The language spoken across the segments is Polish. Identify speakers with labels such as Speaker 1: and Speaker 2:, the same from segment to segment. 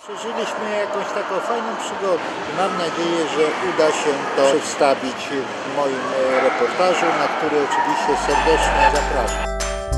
Speaker 1: Przeżyliśmy jakąś taką fajną przygodę. Mam nadzieję, że uda się to przedstawić w moim reportażu, na który oczywiście serdecznie zapraszam.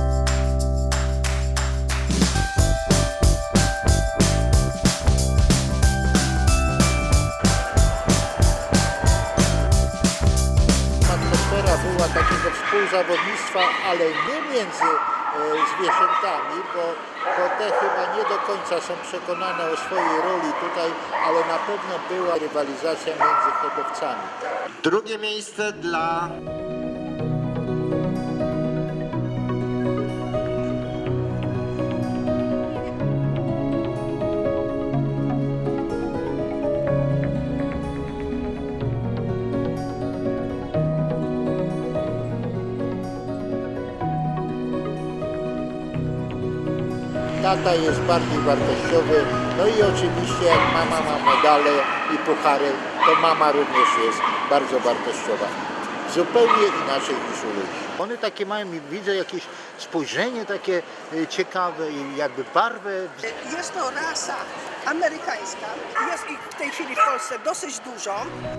Speaker 1: Atmosfera była takiego współzawodnictwa, ale nie między zwierzętami, bo te chyba nie do końca są przekonane o swojej roli tutaj, ale na pewno była rywalizacja między hodowcami.
Speaker 2: Drugie miejsce dla
Speaker 1: Tata jest bardziej wartościowy, no i oczywiście jak mama ma medale i puchary, to mama również jest bardzo wartościowa. Zupełnie inaczej niż u ludzi. One takie mają, widzę jakieś spojrzenie takie ciekawe i jakby barwę.
Speaker 3: Jest to rasa amerykańska. Jest ich w tej chwili w Polsce dosyć dużo.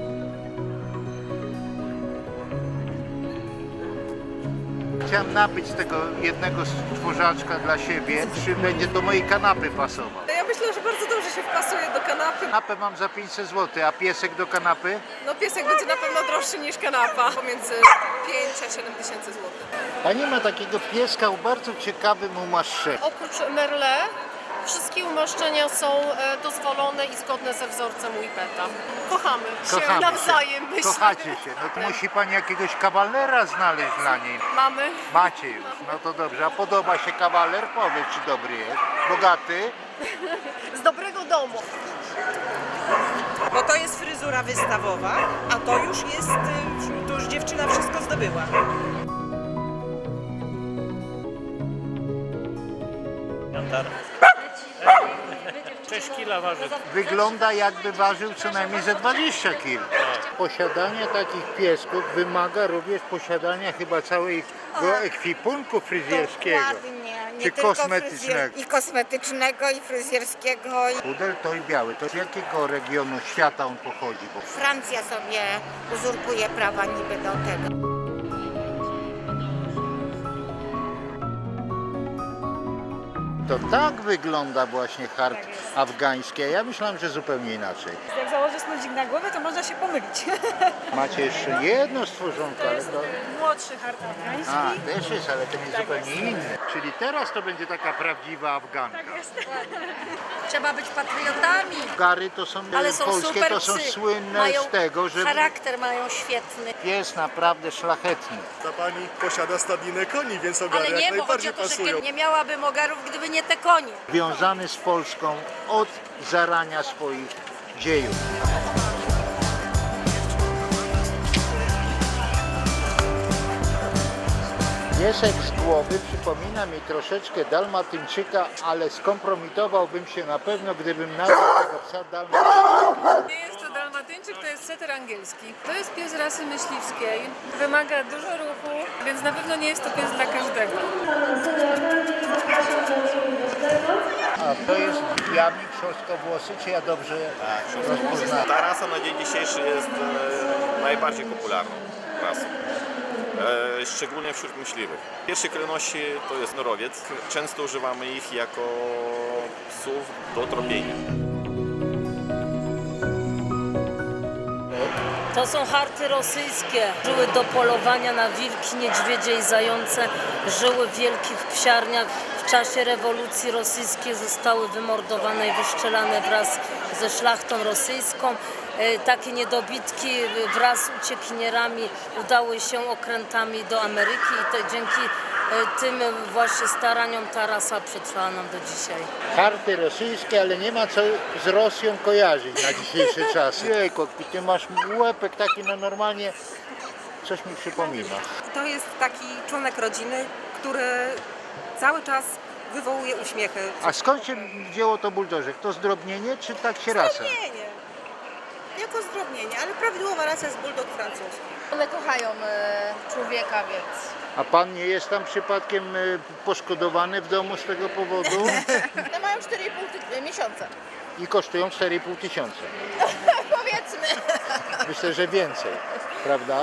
Speaker 1: Chciałem nabyć tego jednego stworzaczka dla siebie, czy będzie do mojej kanapy pasował.
Speaker 4: Ja myślę, że bardzo dobrze się wpasuje do kanapy.
Speaker 1: Kanapę mam za 500 zł, a piesek do kanapy?
Speaker 4: No piesek będzie na pewno droższy niż kanapa, pomiędzy 5 a 7 tysięcy złotych.
Speaker 1: Pani ma takiego pieska o bardzo ciekawym umaszczeniu.
Speaker 5: Oprócz Merle wszystkie umaszczenia są dozwolone i zgodne ze wzorcem Whippeta. Kochamy się nawzajem, myślę.
Speaker 1: Kochacie się. No to musi pani jakiegoś kawalera znaleźć dla niej.
Speaker 5: Mamy.
Speaker 1: Macie już, no to dobrze. A podoba się kawaler? Powiedz, czy dobry jest. Bogaty?
Speaker 5: Z dobrego domu.
Speaker 6: Bo to jest fryzura wystawowa, a to już jest, to już dziewczyna wszystko zdobyła.
Speaker 7: 6 kg waży.
Speaker 1: Wygląda jakby ważył co najmniej ze 20 kg. Posiadanie takich piesków wymaga również posiadania chyba całego ekwipunku fryzjerskiego.
Speaker 8: Dokładnie, nie
Speaker 1: Czy
Speaker 8: tylko
Speaker 1: kosmetycznego.
Speaker 8: I kosmetycznego, i fryzjerskiego.
Speaker 1: Pudel to i biały. To z jakiego regionu świata on pochodzi? Bo
Speaker 8: Francja sobie uzurpuje prawa niby do tego.
Speaker 1: to tak wygląda właśnie hart afgański, a ja myślałem, że zupełnie inaczej.
Speaker 9: Jak założy snudzik na głowę, to można się pomylić.
Speaker 1: Macie jeszcze jedno stworzonko, ale to...
Speaker 9: Młodszy hart afgański.
Speaker 1: A, też jest, ale ten jest zupełnie inny. Czyli teraz to będzie taka prawdziwa Afganka.
Speaker 9: Tak jest.
Speaker 5: Trzeba być patriotami.
Speaker 1: Gary to są,
Speaker 5: Ale są
Speaker 1: polskie,
Speaker 5: super
Speaker 1: to są
Speaker 5: psy.
Speaker 1: słynne
Speaker 5: Mają
Speaker 1: z tego, że
Speaker 5: charakter mają świetny.
Speaker 1: pies naprawdę szlachetny.
Speaker 10: Ta pani posiada stadninę koni, więc ogary
Speaker 5: Ale
Speaker 10: jak
Speaker 5: nie, bo chodzi
Speaker 10: najbardziej
Speaker 5: o to, że
Speaker 10: pasują.
Speaker 5: nie miałabym ogarów, gdyby nie te konie.
Speaker 1: Związany z Polską od zarania swoich dziejów. Piesek z głowy przypomina mi troszeczkę dalmatyńczyka, ale skompromitowałbym się na pewno, gdybym nazwał tego psa dalmatyńczykiem.
Speaker 4: Nie jest to dalmatyńczyk, to jest setter angielski. To jest pies rasy myśliwskiej, wymaga dużo ruchu, więc na pewno nie jest to pies dla każdego.
Speaker 1: A to jest biały trzostkowłosy, czy ja dobrze rozpoznałem?
Speaker 11: Ta rasa na dzień dzisiejszy jest najbardziej popularną rasą. Szczególnie wśród myśliwych. W pierwszej kolejności to jest norowiec. Często używamy ich jako psów do tropienia.
Speaker 5: To są harty rosyjskie. Żyły do polowania na wilki, niedźwiedzie i zające. Żyły w wielkich psiarniach. W czasie rewolucji rosyjskiej zostały wymordowane i wyszczelane wraz ze szlachtą rosyjską. Takie niedobitki wraz z uciekinierami udały się okrętami do Ameryki i dzięki tym właśnie staraniom ta rasa przetrwała nam do dzisiaj.
Speaker 1: Harty rosyjskie, ale nie ma co z Rosją kojarzyć na dzisiejsze czasy. Jejku, ty masz łepek taki, no normalnie coś mi przypomina.
Speaker 4: To jest taki członek rodziny, który cały czas wywołuje uśmiechy.
Speaker 1: A skąd się wzięło to buldożek? To zdrobnienie, czy tak się rasa?
Speaker 3: Zdrobnienie. Jako zdrobnienie, ale prawidłowa rasa jest bulldog francuski.
Speaker 9: One kochają człowieka, więc...
Speaker 1: A pan nie jest tam przypadkiem poszkodowany w domu z tego powodu?
Speaker 9: One mają 4,5 miesiąca.
Speaker 1: i kosztują 4,5 tysiąca.
Speaker 9: Powiedzmy.
Speaker 1: Myślę, że więcej, prawda?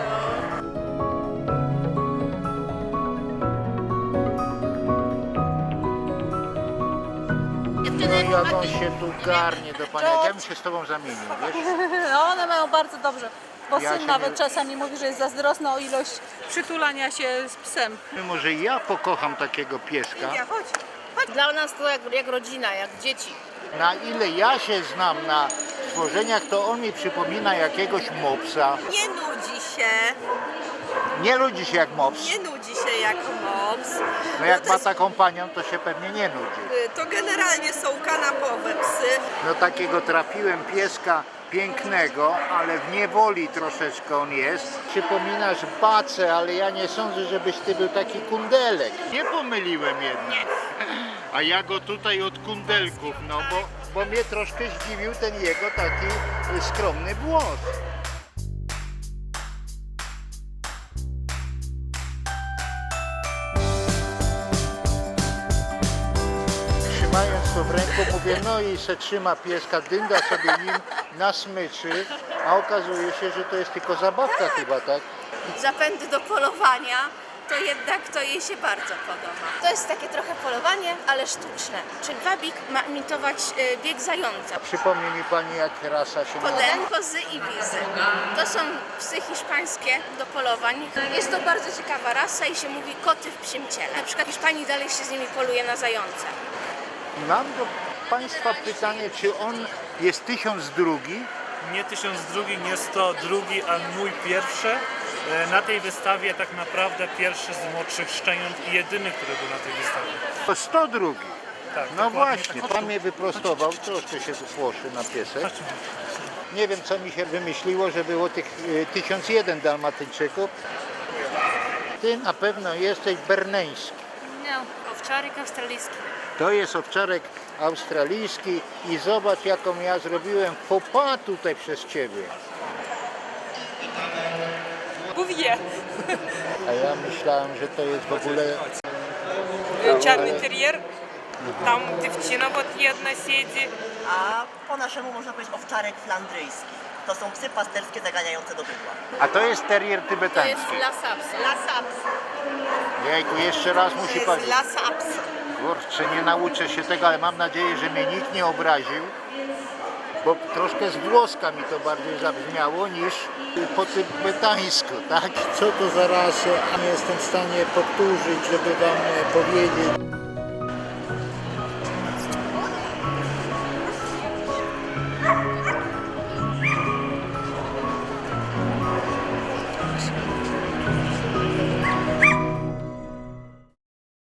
Speaker 1: No jak on się tu garnie do pana, jak ja bym się z tobą zamienił, wiesz?
Speaker 9: No one mają bardzo dobrze, bo
Speaker 1: Ja
Speaker 9: syn
Speaker 1: się
Speaker 9: nawet
Speaker 1: nie-
Speaker 9: czasami mówi, że jest zazdrosny o ilość przytulania się z psem.
Speaker 1: Może ja pokocham takiego pieska,
Speaker 9: Dla nas to jak rodzina, jak dzieci.
Speaker 1: na ile ja się znam na stworzeniach, to on mi przypomina jakiegoś mopsa.
Speaker 6: Nie nudzi się,
Speaker 1: Nie ludzi się jak mops.
Speaker 6: nie nudzi się jak mops.
Speaker 1: No jak
Speaker 6: to,
Speaker 1: ma
Speaker 6: jest,
Speaker 1: taką panią, to się pewnie nie nudzi.
Speaker 6: to generalnie są kanapowe psy.
Speaker 1: No takiego trafiłem pieska pięknego, ale w niewoli troszeczkę on jest. Przypominasz bacę, ale ja nie sądzę, żebyś ty był taki kundelek. Nie pomyliłem jednak. A ja go tutaj od kundelków, no bo mnie troszkę zdziwił ten jego taki skromny włos. Trzymając to w ręku, mówię, no i se trzyma pieska, dynda sobie nim na smyczy, a okazuje się, że to jest tylko zabawka chyba, tak?
Speaker 8: Zapędy do polowania, to jednak to jej się bardzo podoba. To jest takie trochę polowanie, ale sztuczne. Czyli wabik ma imitować bieg zająca.
Speaker 1: Przypomni mi pani, jak rasa się nazywa.
Speaker 8: Poden, kozy i wizy. To są psy hiszpańskie do polowań. Jest to bardzo ciekawa rasa i się mówi koty w psim ciele. Na przykład w Hiszpanii dalej się z nimi poluje na zające.
Speaker 1: Mam do państwa pytanie, czy on jest 1002?
Speaker 7: Nie 1002, jest to drugi, a mój pierwszy. Na tej wystawie tak naprawdę pierwszy z młodszych szczeniąt i jedyny, który był na tej wystawie.
Speaker 1: To 102.
Speaker 7: Tak,
Speaker 1: No
Speaker 7: dokładnie
Speaker 1: właśnie,
Speaker 7: tak.
Speaker 1: pan mnie wyprostował, troszkę się wypłoszy na piesek. Nie wiem, co mi się wymyśliło, że było tych 1001 dalmatyńczyków. Ty na pewno jesteś berneński.
Speaker 4: Nie, owczarek australijski.
Speaker 1: To jest owczarek australijski i zobacz, jaką ja zrobiłem faux pas tutaj przez ciebie.
Speaker 9: Bouvier.
Speaker 1: A ja myślałem, że to jest w ogóle...
Speaker 9: Czarny terrier. Tam dziewczyna jedna siedzi.
Speaker 6: A po naszemu można powiedzieć owczarek flandryjski. To są psy pasterskie zaganiające do bydła.
Speaker 1: A to jest terrier tybetański.
Speaker 6: Lasaps.
Speaker 1: Jejku, jeszcze raz musi
Speaker 6: To
Speaker 1: pan...
Speaker 6: jest lasaps.
Speaker 1: Kurczę, nie nauczę się tego, ale mam nadzieję, że mnie nikt nie obraził, bo troszkę z włoska mi to bardziej zabrzmiało niż po tybetańsku, tak? Co to za rasę? Nie jestem w stanie powtórzyć, żeby wam powiedzieć.